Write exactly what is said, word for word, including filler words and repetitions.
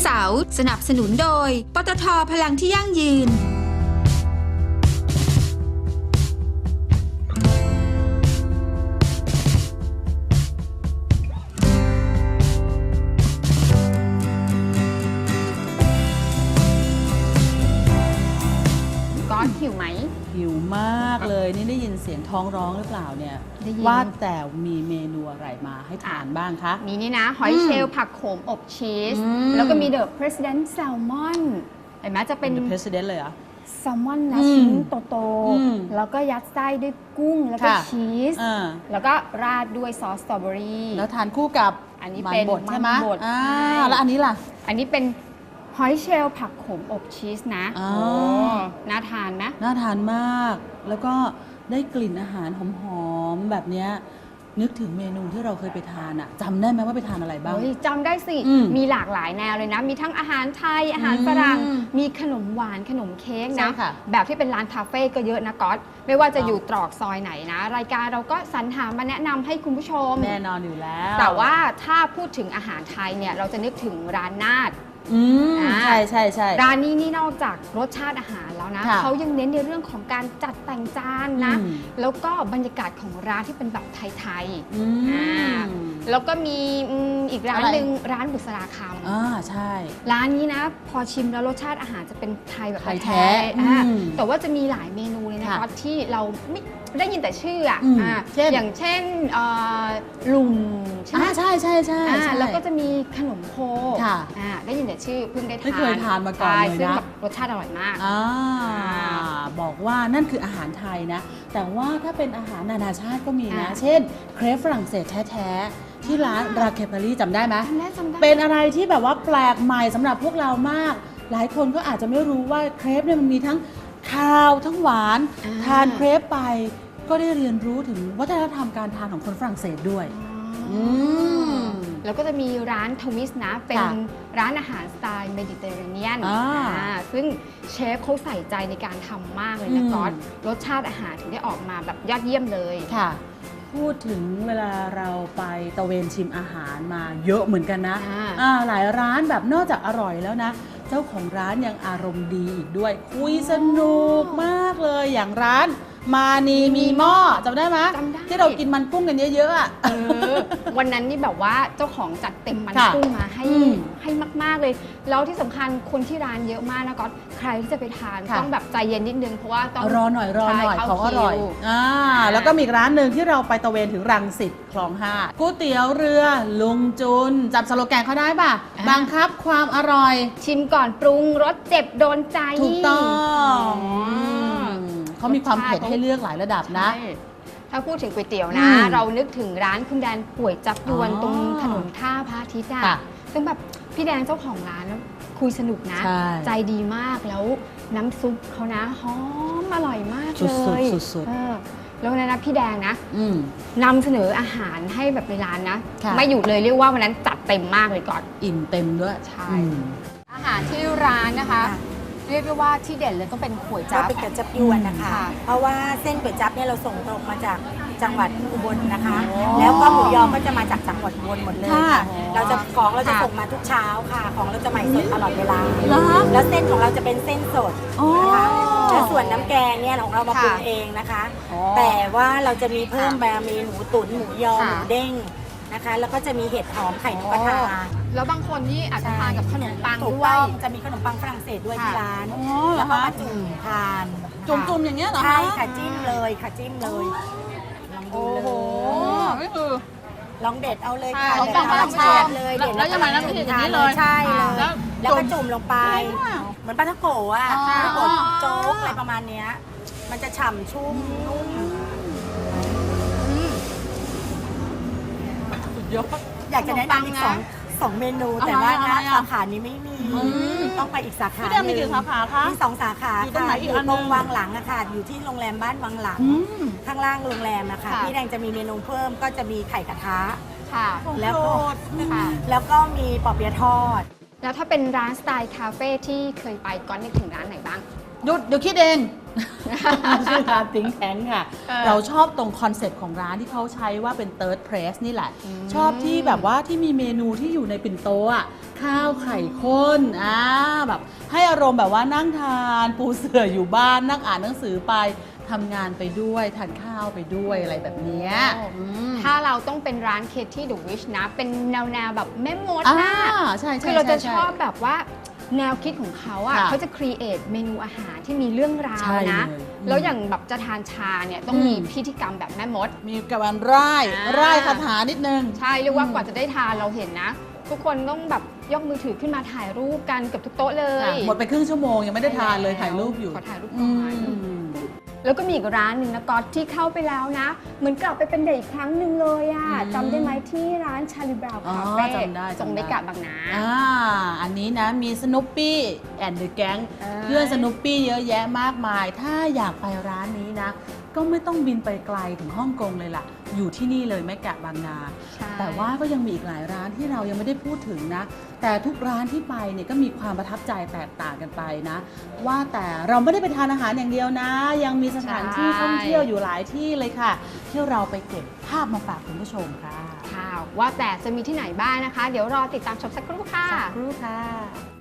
เสาร์สนับสนุนโดยปตท.พลังที่ยั่งยืนก๊อตหิวไหมหิวมากเลยนี่ได้ยินเสียงท้องร้องหรือเปล่าเนี่ยว่าแต่มีเมนูอะไรมาให้ทานบ้างคะมีนี่นะหอยเชลล์ผักโขมอบชีสแล้วก็มี The President Salmon เห็นไหมจะเป็น The President เลยเหรอแซลมอนนะชิ้นโตๆแล้วก็ยัดไส้ด้วยกุ้งแล้วก็ชีสแล้วก็ราดด้วยซอสสตรอเบอรี่แล้วทานคู่กับอันนี้เป็นบดใช่ไหมอ่าแล้วอันนี้ล่ะอันนี้เป็นหอยเชลล์ผักโขมอบชีสนะโอ้น่าทานนะน่าทานมากแล้วก็ได้กลิ่นอาหารหอมๆแบบนี้นึกถึงเมนูที่เราเคยไปทานอะจำได้ไหมว่าไปทานอะไรบ้างจำได้สิมีหลากหลายแนวเลยนะมีทั้งอาหารไทยอาหารฝรั่งมีขนมหวานขนมเค้กนะแบบที่เป็นร้านคาเฟ่ก็เยอะนะก๊อตไม่ว่าจะอยู่ตรอกซอยไหนนะรายการเราก็สรรหามาแนะนำให้คุณผู้ชมแน่นอนอยู่แล้วแต่ว่าถ้าพูดถึงอาหารไทยเนี่ยเราจะนึกถึงร้านนาดอืมใช่ใช่ใช่ร้านนี้นี่นอกจากรสชาติอาหารแล้วนะเขายังเน้นในเรื่องของการจัดแต่งจานนะแล้วก็บรรยากาศของร้านที่เป็นแบบไทยๆแล้วก็มีอีกร้านหนึ่งร้านบุษราคำอ่าใช่ร้านนี้นะพอชิมแล้วรสชาติอาหารจะเป็นไทยแบบแท้แต่ว่าจะมีหลายเมนูเลยนะคะที่เราไม่ได้ยินแต่ชื่ออ่ะอย่างเช่นลุงใช่ไหมใช่ใช่ใช่แล้วก็จะมีขนมโคได้ยินแต่ชื่อเพิ่งได้ทานไม่เคยทานมาก่อนเลยนะรสชาติอร่อยมากบอกว่านั่นคืออาหารไทยนะแต่ว่าถ้าเป็นอาหารนานาชาติก็มีนะเช่นเครปฝรั่งเศสแท้ๆที่ร้านราเคปารีจำได้ไหมเป็นอะไรที่แบบว่าแปลกใหม่สำหรับพวกเรามากหลายคนก็อาจจะไม่รู้ว่าเครปเนี่ยมันมีทั้งคาวทั้งหวานทานเครปไปก็ได้เรียนรู้ถึงวัฒนธรรมการทานของคนฝรั่งเศสด้วยแล้วก็จะมีร้านทวิสนะเป็นร้านอาหารสไตล์เมดิเตอร์เรเนียนซึ่งเชฟเขาใส่ใจในการทำมากเลยนะก๊อตรสชาติอาหารถึงได้ออกมาแบบยอดเยี่ยมเลยค่ะพูดถึงเวลาเราไปตะเวนชิมอาหารมาเยอะเหมือนกันนะหลายร้านแบบนอกจากอร่อยแล้วนะเจ้าของร้านยังอารมณ์ดีอีกด้วยคุยสนุกมากเลยอย่างร้านมานีมีหม้อจำได้ไหมที่เรากินมันกุ้งกันเยอะๆอ่ะวันนั้นนี่แบบว่าเจ้าของจัดเต็มมันกุ้งมาให้ให้มากๆเลยแล้วที่สำคัญคนที่ร้านเยอะมากนะก๊อตใครที่จะไปทานต้องแบบใจเย็นนิดนึงเพราะว่าต้องรอหน่อยรอหน่อยของอร่อยอ่าแล้วก็มีร้านหนึ่งที่เราไปตะเวนถึงรังสิตคลองห้าก๋วยเตี๋ยวเรือลุงจุนจำสโลแกนเขาได้ป่ะบังคับความอร่อยชิมก่อนปรุงรสเจ็บโดนใจถูกต้องเขามีความเผ็ดให้เลือกหลายระดับนะถ้าพูดถึงก๋วยเตี๋ยวนะเรานึกถึงร้านคุณแดนป่วยจับยวนตรงถนนท่าพระอาทิตย์อ่ะซึ่งแบบพี่แดนเจ้าของร้านคุยสนุกนะใจดีมากแล้วน้ำซุปเขานะหอมอร่อยมากเลยสุดๆแล้วนะพี่แดงนะนำเสนออาหารให้แบบในร้านนะไม่หยุดเลยเรียกว่าวันนั้นจัดเต็มมากเลยก่อนอิ่มเต็มด้วยใช่อาหารที่ร้านนะคะเรียกได้ว่าที่เด่นเลยต้องเป็นก๋วยจั๊บเป็นก๋วยจั๊บยวนนะคะเพราะว่าเส้นก๋วยจั๊บเนี่ยเราส่งตรงมาจากจังหวัดอุบลนะคะแล้วก็หมูยอก็จะมาจากจังหวัดอุบลหมดเลยค่ะเราจะของเราจะส่งมาทุกเช้าค่ะของเราจะใหม่สดตลอดเวลาแล้วเส้นของเราจะเป็นเส้นสดนะคะและส่วนน้ำแกงเนี่ยของเรามาปรุงเองนะคะแต่ว่าเราจะมีเพิ่มมามีหมูตุ๋นหมูยอหมูเด้งนะคะแล้วก็จะมีเห็ดหอมไข่นกกระทาแล้วบางคนนี่อาจจะทานกับขนมปังด้วยจะมีขนมปังฝรั่งเศสด้วยที่ร้านแล้วก็มาจุ่มทานจุ่มๆอย่างเงี้ยเหรอใช่ค่ะจิ้มเลยค่ะจิ้มเลยลองดูเลยนี่คือลองเด็ดเอาเลยค่ะลองปังฝรั่งเศสเลยเด็ดแล้วยังไงน้ำพริกอย่างนี้เลยใช่เลยแล้วก็จุ่มลงไปเหมือนปลาท่องโกะอ่ะปลาท่องโกะโจ๊กอะไรประมาณเนี้ยมันจะฉ่ำชุ่มนุ่มอยากจะแนะนำอีกสองสองเมนูแต่ว่านะสาขานี้ไม่มีต้องไปอีกสาขาที่มีกี่สาขาคะมีสองสาขาค่ะอยู่ตรงวังหลังอะค่ะอยู่ที่โรงแรมบ้านวังหลังข้างล่างโรงแรมนะคะพี่แดงจะมีเมนูเพิ่มก็จะมีไข่กระทะแล้วก็แล้วก็มีปอเปี๊ยะทอดแล้วถ้าเป็นร้านสไตล์คาเฟ่ที่เคยไปก้อนนึกถึงร้านไหนบ้างหยุดเดี๋ยวคิดเองชื่อร้านติ้งแทงค่ะเออเราชอบตรงคอนเซ็ปต์ของร้านที่เขาใช้ว่าเป็น third place นี่แหละอืมชอบที่แบบว่าที่มีเมนูที่อยู่ในปิ่นโตอ่ะข้าวไข่ข้นอ่าแบบให้อารมณ์แบบว่านั่งทานปูเสื่ออยู่บ้านนั่งอ่านหนังสือไปทำงานไปด้วยทานข้าวไปด้วยอะไรแบบเนี้ยอืมถ้าเราต้องเป็นร้านเคที่เดอะวิชนะ เป็นแนวแนวๆแบบแม่มดอ่านะใช่ใช่คือเราจะใช่ชอบแบบว่าแนวคิดของเขาอ่ะค่ะเขาจะครีเอทเมนูอาหารที่มีเรื่องราวใช่นะเลยอืมแล้วอย่างแบบจะทานชาเนี่ยต้องอืมมีพิธีกรรมแบบแม่มดมีกับวันร่ายอ่าร่ายคาถานิดนึงใช่เรียกว่าอืมกว่าจะได้ทานเราเห็นนะ ทุกคนต้องแบบยกมือถือขึ้นมาถ่ายรูปกันเกับทุกโต๊ะเลยค่ะหมดไปครึ่งชั่วโมงยังไม่ได้ทานเลยถ่ายรูปอยู่ขอถ่ายรูปก่อือนมแล้วก็มีอีกร้านหนึ่งนะก๊อตที่เข้าไปแล้วนะ เหมือนกลับไปเป็นเด็กอีกครั้งหนึ่งเลยอะอืมจำได้ไหมที่ร้านชาลีบราวน์อ๋อคาเฟ่จำได้ตรงจำได้เมกะบางนาอ่าอันนี้นะมีสนุปปี้แอนด์เดอะแก๊งเออเพื่อนสนุปปี้เยอะแยะมากมาย ถ้าอยากไปร้านนี้นะ ก็ไม่ต้องบินไปไกลถึงฮ่องกงเลยล่ะ อยู่ที่นี่เลยแมกะบางนาใช่แต่ว่าก็ยังมีอีกหลายร้านที่เรายังไม่ได้พูดถึงนะ แต่ทุกร้านที่ไปเนี่ยก็มีความประทับใจแตกต่างกันไปนะ ว่าแต่เราไม่ได้ไปทานอาหารอย่างเดียวนะ ยังมีสถานที่ท่องเที่ยวอยู่หลายที่เลยค่ะ ที่เราไปเก็บภาพมาฝากคุณผู้ชมค่ะค่ะว่าแต่จะมีที่ไหนบ้างนะคะ เดี๋ยวรอติดตามชมสักครู่ค่ะสักครู่ค่ะ